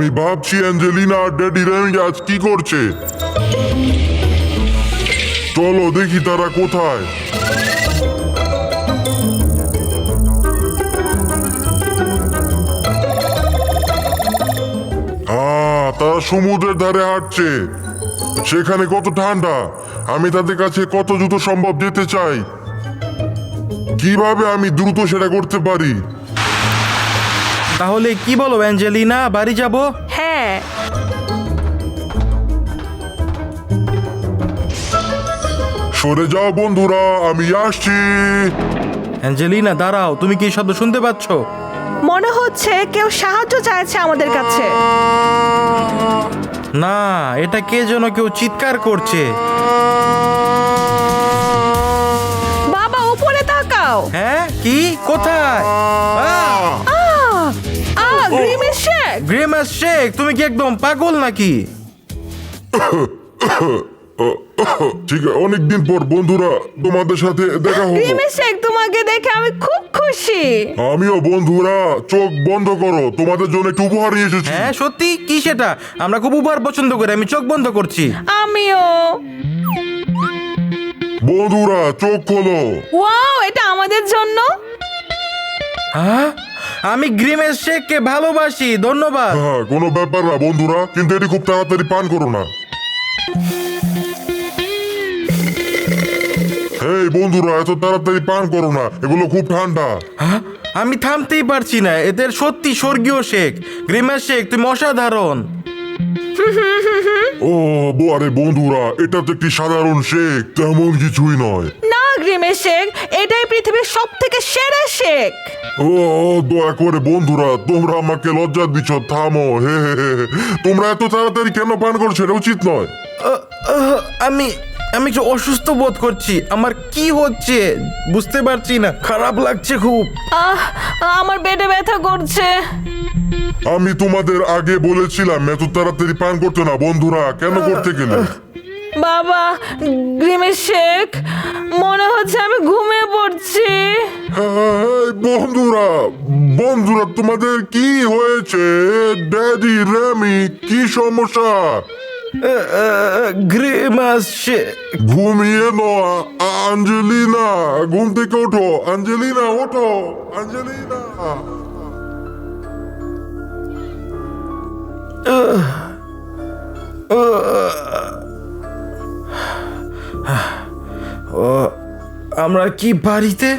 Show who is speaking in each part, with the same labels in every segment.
Speaker 1: ভাবছি অ্যাঞ্জেলিনা আর daddy Remy আজ কি করছে। চলো দেখি তারা কোথায়। তারা সমুদ্রের ধারে হাঁটছে। সেখানে কত ঠান্ডা, আমি তাদের কাছে কত দ্রুত সম্ভব যেতে চাই। কিভাবে আমি দ্রুত সেটা করতে পারি?
Speaker 2: তাহলে কি বলো অ্যাঞ্জেলিনা, বাড়ি যাব?
Speaker 3: হ্যাঁ,
Speaker 1: সরে যাও বন্ধুরা, আমি আসছি।
Speaker 2: অ্যাঞ্জেলিনা দাঁড়াও, তুমি কি এই শব্দ শুনতে পাচ্ছ?
Speaker 3: মনে হচ্ছে কেউ সাহায্য চাইছে আমাদের কাছে।
Speaker 2: না, এটা কে যেন কেউ চিৎকার করছে।
Speaker 3: বাবা উপরে তাকাও।
Speaker 2: হ্যাঁ, কি? কোথায়?
Speaker 3: গ্রিমের শেক।
Speaker 2: গ্রিমাস শেক, তুমি কি একদম পাগল নাকি?
Speaker 1: ঠিক আছে, অনেকদিন পর বন্ধুরা তোমাদের সাথে দেখা হলো।
Speaker 3: গ্রিমের শেক, তোমাকে দেখে আমি খুব খুশি।
Speaker 1: আমিও বন্ধুরা, চোখ বন্ধ করো, তোমাদের জন্য একটু উপহার নিয়ে এসেছি।
Speaker 2: হ্যাঁ সত্যি? কি সেটা? আমরা খুব উপহার পছন্দ করি, আমি চোখ বন্ধ করছি।
Speaker 3: আমিও।
Speaker 1: বন্ধুরা চোখ খোলো।
Speaker 3: ওয়াও, এটা আমাদের জন্য।
Speaker 2: হ্যাঁ, আমি গ্রিমেস শেককে ভালোবাসি, ধন্যবাদ।
Speaker 1: হ্যাঁ, কোনো ব্যাপার না বন্ধুরা, কিন্তু এটি খুব তাড়াতাড়ি পান করো না। এই বন্ধুরা, এত তাড়াতাড়ি পান করো না, এগুলো খুব ঠান্ডা।
Speaker 2: হ্যাঁ, আমি থামতেই পারছি না, এদের সত্যি স্বর্গীয় শেক। গ্রিমেস শেক, তুমি অসাধারণ।
Speaker 1: ও আরে বন্ধুরা, এটা তো একটি সাধারণ শেক, তেমন কিছুই নয়।
Speaker 3: না গ্রিমের শেক, এটাই পৃথিবীর সব থেকে সেরা শেক।
Speaker 1: ও দয়া করে বন্ধুরা, তোমরা আমাকে লজ্জা দিচ্ছ, থামো। হে হে হে। তোমরা এত তাড়াতাড়ি কেন পান করছো? এটা উচিত নয়।
Speaker 2: আমি আমি একটু অসুস্থ বোধ করছি, আমার কি হচ্ছে বুঝতে পারছি না, খারাপ লাগছে খুব।
Speaker 3: আমার পেটে ব্যথা করছে।
Speaker 1: আমি তোমাদের আগে বলেছিলাম এত তাড়াতাড়ি পান করতে না। বন্ধুরা কেন করতে গেলে?
Speaker 3: বাবা, গ্রিমের শেক, মনে হচ্ছে আমি ঘুমিয়ে পড়ছি।
Speaker 1: বন্ধুরা বন্ধুরা তোমাদের কি হয়েছে? ড্যাডি রেমি, কি সমস্যা?
Speaker 2: গ্রিমাস শেক।
Speaker 1: ঘুমিয়ে নয়। আঞ্জেলিনা, ঘুম থেকে ওঠো। আঞ্জেলিনা ওঠো। আঞ্জেলিনা,
Speaker 2: আমরা কি বাড়িতে?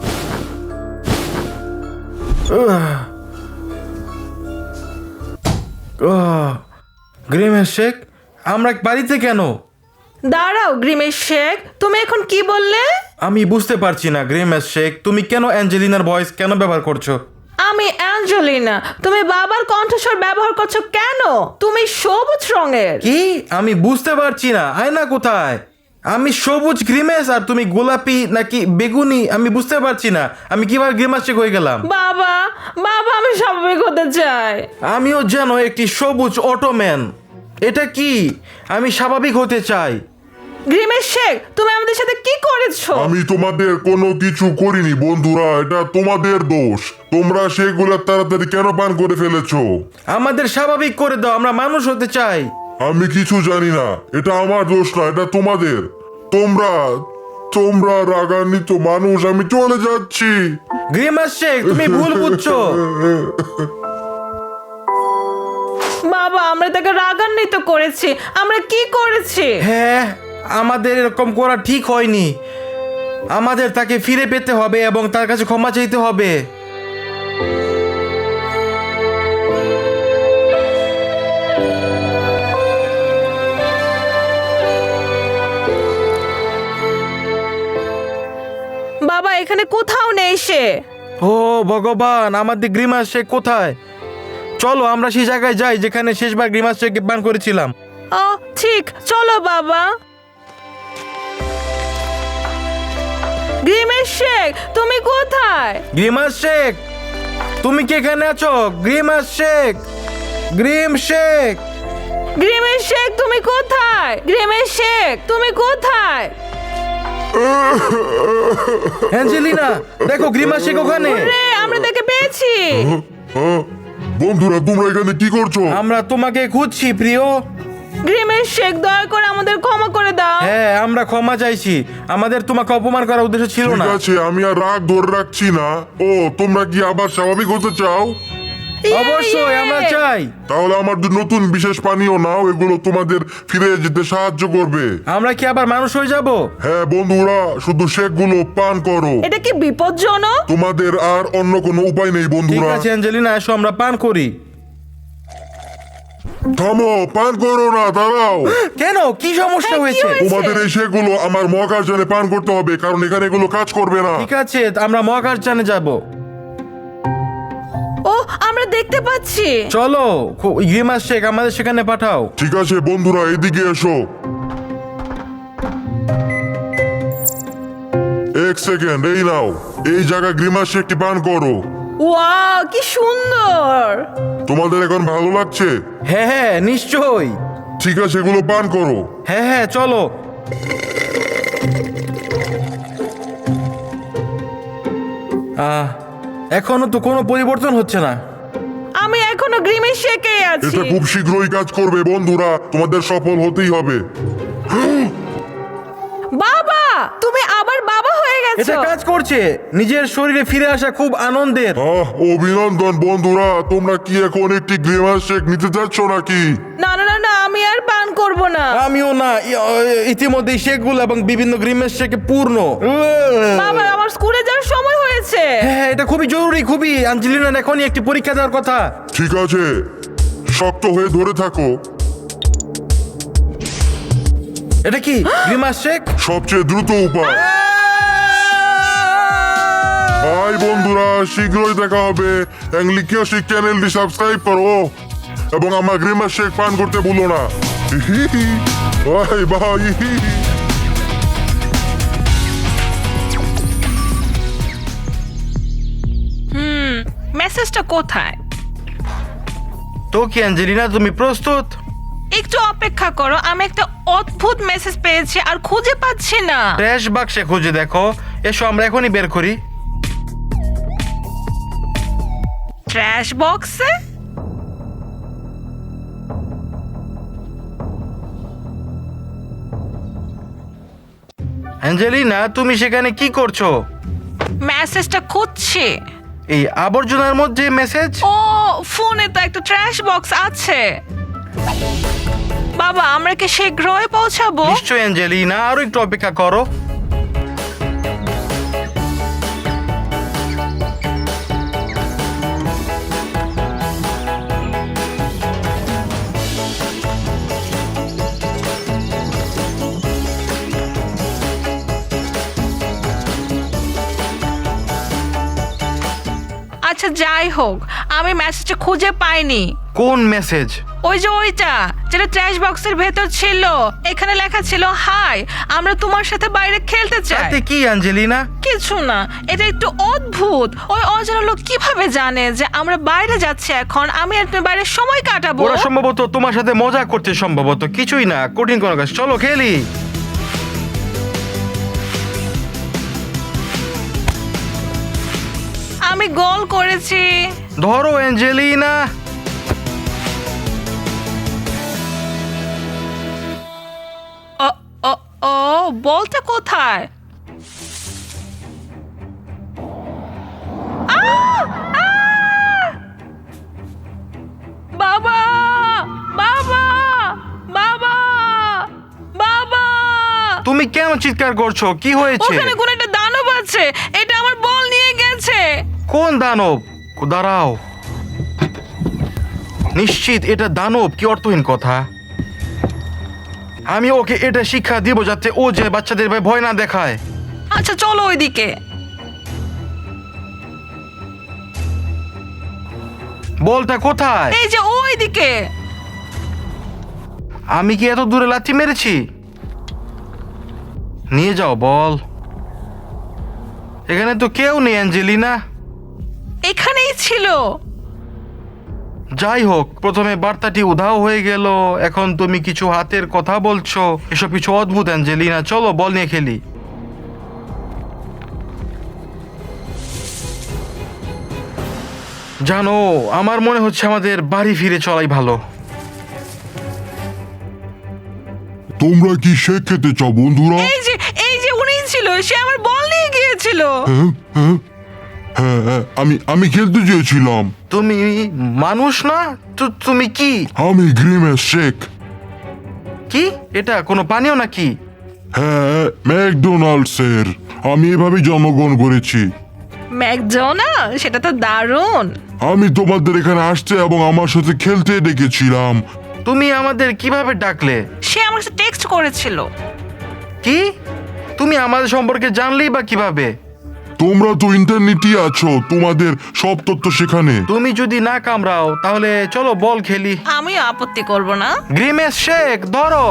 Speaker 2: গ্রিমেস শেক, আমরা বাড়িতে কেন?
Speaker 3: দাঁড়াও গ্রিমের শেক, তুমি এখন কি বললে?
Speaker 2: আমি বুঝতে পারছি না গ্রিমেস শেক, তুমি কেন অ্যাঞ্জেলিনার ভয়েস কেন ব্যবহার করছো?
Speaker 3: আমি অ্যাঞ্জেলিনা, তুমি বাবার কণ্ঠস্বর ব্যবহার করছো কেন? তুমি সবুজ রঙের।
Speaker 2: কি? আমি বুঝতে পারছি না, আয়না কোথায়? আমি সবুজ গ্রিমেস আর তুমি গোলাপি নাকি বেগুনি, আমি বুঝতে পারছি না। আমি কিভাবে গ্রিমাস শেক হয়ে গেলাম?
Speaker 3: বাবা, বাবা, আমি স্বাভাবিক হতে চাই।
Speaker 2: আমিও যেন একটি সবুজ অটোম্যান। এটা কি? আমি স্বাভাবিক হতে চাই।
Speaker 3: গ্রিমের শেক, তুমি আমাদের সাথে কি করেছো?
Speaker 1: আমি তোমাদের কোনো কিছু করিনি বন্ধুরা, এটা তোমাদের দোষ। তোমরা সেগুলো তাড়াতাড়ি কেন পান করে ফেলেছো?
Speaker 2: আমাদের স্বাভাবিক করে দাও, আমরা মানুষ হতে চাই।
Speaker 1: আমি কিছু জানি না, এটা আমার দোষ না, এটা তোমাদের। তোমরা তোমরা রাগান্বিত মানুষ। আমি চলে যাচ্ছি।
Speaker 2: গ্রিমাস শেক, তুমি ভুল বুঝছো।
Speaker 3: বাবা, আমরা তাকে রাগান্বিত করেছি। আমরা কি করেছি?
Speaker 2: হ্যাঁ, আমাদের এরকম করা ঠিক হয়নি। আমাদের তাকে ফিরে পেতে হবে এবং তার কাছে ক্ষমা চাইতে হবে।
Speaker 3: বাবা, এখানে কোথাও নেই সে।
Speaker 2: ও ভগবান, আমাদের গ্রিমাস শেক কোথায়? চলো আমরা সেই জায়গায় যাই যেখানে শেষবার গ্রিমাস শেক পান করেছিলাম।
Speaker 3: ও ঠিক, চলো বাবা। গ্রিমের শেক, তুমি কোথায়?
Speaker 2: গ্রিমাস শেক, তুমি কি এখানে আছো? গ্রিমাস শেক, গ্রিম শেক।
Speaker 3: গ্রিমের শেক, তুমি কোথায়? গ্রিমের শেক, তুমি কোথায়?
Speaker 2: অ্যাঞ্জেলিনা, দেখো গ্রিমাস শেক ওখানে।
Speaker 3: রে, আমরা তাকে পেয়েছি।
Speaker 1: বন্ধুরা তোমরা এখানে কি করছো?
Speaker 2: আমরা তোমাকে খুঁজছি প্রিয়।
Speaker 3: গ্রিমের শেখ, দয়া করে আমাদের ক্ষমা করে দাও।
Speaker 2: হ্যাঁ, আমরা ক্ষমা চাইছি, আমাদের তোমাকে অপমান করার উদ্দেশ্য ছিল
Speaker 1: ঠিক
Speaker 2: না।
Speaker 1: আছে, আমি আর রাগ ধরে রাখছি না। ও, তোমরা কি আবার স্বাভাবিক হতে চাও?
Speaker 2: অবশ্যই আমরা চাই।
Speaker 1: তাহলে আমার নতুন বিশেষ পানীয় নাও, এগুলো তোমাদের ফিরে যেতে সাহায্য করবে।
Speaker 2: আমরা কি আবার মানুষ হয়ে যাব?
Speaker 1: হ্যাঁ বন্ধুরা, শুধু শেকগুলো পান করো।
Speaker 3: এটা কি বিপজ্জনক?
Speaker 1: তোমাদের আর অন্য কোনো উপায় নেই
Speaker 2: ঠিক
Speaker 1: বন্ধুরা।
Speaker 2: আছে অ্যাঞ্জেলিনা, এসো আমরা পান করি।
Speaker 1: থামো, পান করো না, দাঁড়াও।
Speaker 2: কেন, কি সমস্যা
Speaker 3: হ্যাঁ, কি
Speaker 2: হয়েছে?
Speaker 3: হয়েছে?
Speaker 1: তোমাদের এই শেকগুলো আমার মহাকাশযানে পান করতে হবে, কারণ এখানে এগুলো কাজ করবে না।
Speaker 2: ঠিক আছে, আমরা মহাকাশযানে যাব।
Speaker 3: ও, আমরা দেখতে পাচ্ছি।
Speaker 2: চলো, গ্রিমাস শেখ আমাদের সেখানে পাঠাও।
Speaker 1: ঠিক আছে বন্ধুরা, এদিকে এসো। এক সেকেন্ড, এই নাও, এই জায়গা গ্রিমাস শেকটি পান করো।
Speaker 3: ওয়াও, কি সুন্দর।
Speaker 1: তোমাদের এখন ভালো লাগছে?
Speaker 2: হ্যাঁ হ্যাঁ, নিশ্চয়ই।
Speaker 1: ঠিক আছে, এগুলো পান করো।
Speaker 2: হ্যাঁ হ্যাঁ, চলো। এখনো তো কোনো পরিবর্তন হচ্ছে না।
Speaker 3: আমি এখনো গ্রিমের শেকেই আছি।
Speaker 1: এটা খুব শীঘ্রই কাজ করবে বন্ধুরা, তোমাদের সফল হতেই হবে।
Speaker 3: বাবা, তুমি আবার বাবা হয়ে
Speaker 2: এটা
Speaker 3: গেছো।
Speaker 2: কাজ করছে, নিজের শরীরে ফিরে আসা খুব আনন্দের।
Speaker 1: অভিনন্দন বন্ধুরা, তোমরা কি এখন একটি গ্রিমাস শেক নিতে যাচ্ছ নাকি?
Speaker 3: না না না না, আমি আর পান করব না।
Speaker 2: আমিও না, ইতিমধ্যে শেকগুলো এবং বিভিন্ন গ্রিমের শেকে পূর্ণ।
Speaker 3: বাবা, আমার স্কুলে যাওয়ার সময় হয়েছে।
Speaker 2: হ্যাঁ, এটা খুবই জরুরি, খুবই। অ্যাঞ্জেলিনার এখনই একটি পরীক্ষা দেওয়ার কথা।
Speaker 1: ঠিক আছে, শক্ত হয়ে ধরে থাকো।
Speaker 2: এটা কি গ্রিমাস শেক?
Speaker 1: সবচেয়ে দ্রুত উপায়। হাই বন্ধুরা, শীঘ্রই দেখা হবে। অ্যাংলিকিয়াসিক চ্যানেলটি সাবস্ক্রাইব করো এবং আমার গ্রিমাস শেক পান করতে ভুলো না। Bye bye.
Speaker 3: মেসেজটা কোথায়?
Speaker 2: তো কি অ্যাঞ্জেলিনা, তুমি প্রস্তুত?
Speaker 3: একটু অপেক্ষা করো, আমি একটা অদ্ভুত মেসেজ পেয়েছি আর খুঁজে পাচ্ছি না।
Speaker 2: ট্র্যাশ বাক্সে খুঁজে দেখো। এসো, আমরা এখনই বের করি।
Speaker 3: ট্র্যাশ বক্সে?
Speaker 2: অ্যাঞ্জেলিনা, তুমি সেখানে কি করছো?
Speaker 3: মেসেজটা খুঁজছি।
Speaker 2: এই আবর্জনার মধ্যে মেসেজ?
Speaker 3: ও, ফোনে তো একটা ট্র্যাশ বক্স আছে। বাবা, আমরা কি শীঘ্রই পৌঁছাবো?
Speaker 2: নিশ্চয় অ্যাঞ্জেলিনা, আরো একটু অপেক্ষা করো।
Speaker 3: আচ্ছা, যাই হোক, আমি মেসেজটা খুঁজে পাইনি।
Speaker 2: কোন মেসেজ?
Speaker 3: ওই যে ওইটা, যেটা ট্র্যাশ বক্সের ভেতর ছিল। এখানে লেখা ছিল, হাই, আমরা তোমার সাথে বাইরে খেলতে চাই।
Speaker 2: তাতে কি অ্যাঞ্জেলিনা?
Speaker 3: কিছু না, এটা একটু অদ্ভুত। ওই অজানা লোক কিভাবে জানে যে আমরা বাইরে যাচ্ছি এখন? আমি আর তুমি বাইরে সময় কাটাবো।
Speaker 2: ওরা সম্ভবত তোমার সাথে মজা করছে, সম্ভবত। কিছুই না, কঠিন কোনো কাজ। চলো খেলি।
Speaker 3: আমি গোল করেছি।
Speaker 2: ধরো অ্যাঞ্জেলিনা।
Speaker 3: ও ও ও, বলটা কোথায়? আহ! আহ! বাবা, বাবা, বাবা, বাবা!
Speaker 2: তুমি কেন চিৎকার করছো? কি হয়েছে?
Speaker 3: ওখানে কোন একটা দানব আছে, এটা আমার বল নিয়ে গেছে।
Speaker 2: কোন দানব? দাঁড়াও, নিশ্চিত এটা দানব। কি অর্থহীন কথা। আমি ওকে এটা শিক্ষা দিব যাতে ও যে বাচ্চাদের ভয় না দেখায়।
Speaker 3: আচ্ছা, চলো ওইদিকে।
Speaker 2: বলটা কোথায়?
Speaker 3: এই যে ওইদিকে।
Speaker 2: আমি কি এত দূরে লাথি মেরেছি? নিয়ে যাও বল। এখানে তো কেউ নেই অ্যাঞ্জেলিনা।
Speaker 3: এখানেই ছিল।
Speaker 2: যাই হোক, প্রথমে বার্তাটি উধাও হয়ে গেল, এখন তুমি কিছু হাতের কথা বলছো। এসব কিছু অদ্ভুত অ্যাঞ্জেলিনা। চলো বল নিয়ে খেলি। জানো, আমার মনে হচ্ছে আমাদের বাড়ি ফিরে চলাই ভালো।
Speaker 1: তোমরা কি শেক খেতে চাও বন্ধুরা?
Speaker 3: এই যে উনি ছিল, সে আমার বল নিয়ে গিয়েছিল।
Speaker 1: হ্যাঁ হ্যাঁ হ্যাঁ হ্যাঁ, আমি খেলতে চেয়েছিলাম।
Speaker 2: তুমি মানুষ না তো তুমি কি?
Speaker 1: আমি গ্রিমেশ শেক।
Speaker 2: কি এটা কোনো পানীয় নাকি?
Speaker 1: হ্যাঁ, ম্যাকডোনাল্ডসের। আমি এভাবেই জন্মগ্রহণ করেছি।
Speaker 3: ম্যাকডোনাল্ড, সেটা তো দারুণ।
Speaker 1: আমি তোমাদের এখানে আসতে এবং আমার সাথে খেলতে ডেকেছিলাম।
Speaker 2: তুমি আমাদের কিভাবে ডাকলে?
Speaker 3: সে আমার সাথে টেক্সট করেছিল।
Speaker 2: কি? তুমি আমাদের সম্পর্কে জানলেই বা কিভাবে?
Speaker 1: তোমরা তো ইন্টারনেটই আছো, তোমাদের সব তথ্য সেখানে।
Speaker 2: তুমি যদি না কামড়াও তাহলে চলো বল খেলি।
Speaker 3: আমি আপত্তি করব না।
Speaker 2: গ্রিমেশ শেক ধরো।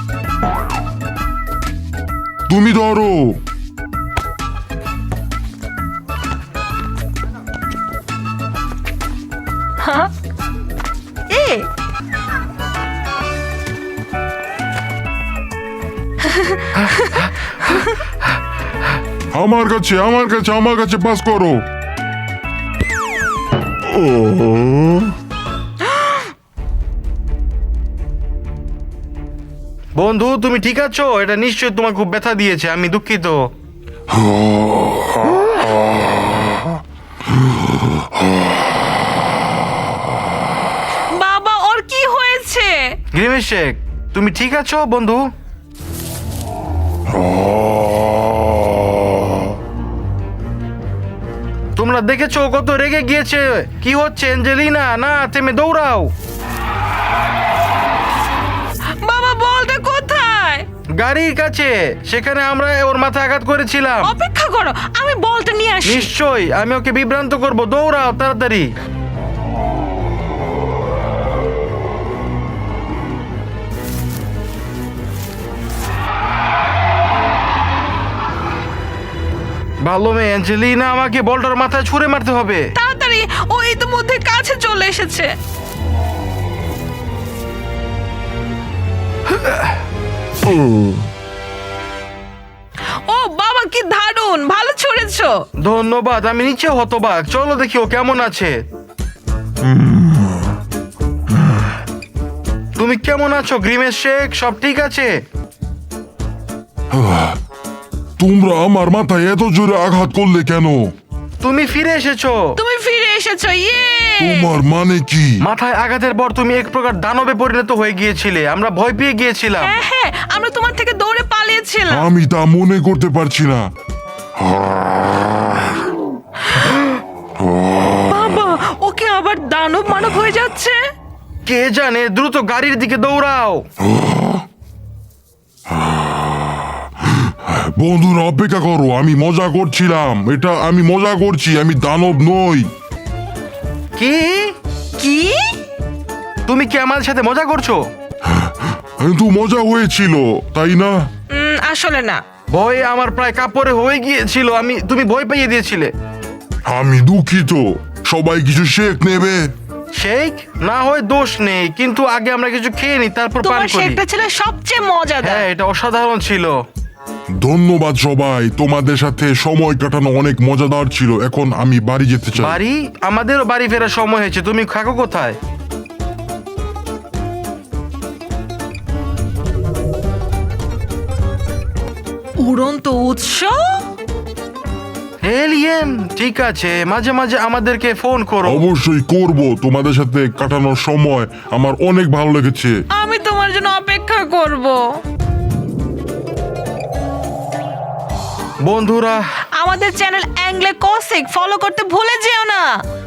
Speaker 1: তুমি ধরো।
Speaker 3: হ্যাঁ, এ
Speaker 1: আমার কাছে পাস করো। ও
Speaker 2: বন্ধু তুমি ঠিক আছো? এটা নিশ্চয়ই তোমার খুব ব্যথা দিয়েছে, আমি দুঃখিত।
Speaker 3: বাবা, ওর কি হয়েছে?
Speaker 2: গ্রিমেশ শেক তুমি ঠিক আছো বন্ধু? তোমরা দেখেছো ও কত রেগে গিয়েছে। কি হচ্ছে অ্যাঞ্জেলিনা? না থেমে দৌড়াও।
Speaker 3: বাবা, বলটা কোথায়?
Speaker 2: গাড়ির কাছে, সেখানে আমরা ওর মাথায় আঘাত করেছিলাম।
Speaker 3: অপেক্ষা করো, আমি বলটা নিয়ে আসি।
Speaker 2: নিশ্চয়ই, আমি ওকে বিভ্রান্ত করব। দৌড়াও তাড়াতাড়ি। ভালো মেয়ে অ্যাঞ্জেলিনা, আমাকে বলটার মাথায় ছুঁড়ে মারতে হবে।
Speaker 3: তাড়াতাড়ি, ও ইতিমধ্যে কাছে চলে এসেছে। ও বাবা, কি দারুণ, ভালো ছুঁড়েছো।
Speaker 2: ধন্যবাদ, আমি নিচে হতবাক। চলো দেখি ও কেমন আছে। তুমি কেমন আছো গ্রিমেশ শেক? সব ঠিক আছে?
Speaker 1: তোমরা আমার মাথায় এত জোরে আঘাত করলে কেন?
Speaker 2: তুমি ফিরে এসেছো।
Speaker 3: তুমি ফিরে এসেছো, ইয়ে।
Speaker 1: তোমার মানে কি?
Speaker 2: মাথায় আঘাতের পর তুমি এক প্রকার দানবে পরিণত হয়ে গিয়েছিলে। আমরা ভয় পেয়ে গিয়েছিলাম।
Speaker 3: হ্যাঁ হ্যাঁ, আমরা তোমার থেকে দৌড়ে পালিয়েছিলাম।
Speaker 1: আমি তা মনে করতে পারছি না।
Speaker 3: বাবা, ওকে আবার দানব মানব হয়ে যাচ্ছে।
Speaker 2: কে জানে, দ্রুত গাড়ির দিকে দৌড়াও।
Speaker 1: বন্ধুরা অপেক্ষা করো, আমি মজা করছিলাম। আমি মজা করছি, আমি দানব নই।
Speaker 2: কি?
Speaker 3: কি?
Speaker 2: তুমি কি আমাদের সাথে মজা করছো?
Speaker 1: কিন্তু মজা হয়েছিল, তাই না?
Speaker 3: আসলে না।
Speaker 2: ভয়ে আমার প্রায় কাপড়ে হয়ে গিয়েছিল। তুমি ভয় পাইয়ে দিয়েছিলে।
Speaker 1: আমি দুঃখিত। সবাই কিছু শেক নেবে?
Speaker 2: শেক না হয় দোষ নেই, কিন্তু আগে আমরা কিছু খেয়ে নিই, তারপর পান
Speaker 3: তোমার
Speaker 2: করি।
Speaker 3: শেকটা ছিল সবচেয়ে মজাদার।
Speaker 2: হ্যাঁ, এটা অসাধারণ ছিল।
Speaker 1: ধন্যবাদ সবাই, তোমাদের সাথে সময় কাটানো অনেক মজাদার ছিল। এখন আমি বাড়ি যেতে চাই।
Speaker 2: বাড়ি? আমাদেরও বাড়ি ফেরার সময় হয়েছে। তুমি থাকো কোথায়?
Speaker 3: উড়ন্ত উৎস?
Speaker 2: এলিয়েন? ঠিক আছে, মাঝে মাঝে আমাদেরকে ফোন করো।
Speaker 1: অবশ্যই করব। তোমাদের সাথে কাটানোর সময় আমার অনেক ভালো লেগেছে।
Speaker 3: আমি তোমার জন্য অপেক্ষা করব।
Speaker 2: বন্ধুরা,
Speaker 3: আমাদের চ্যানেল অ্যাংলে কসিক ফলো করতে ভুলে যেও না।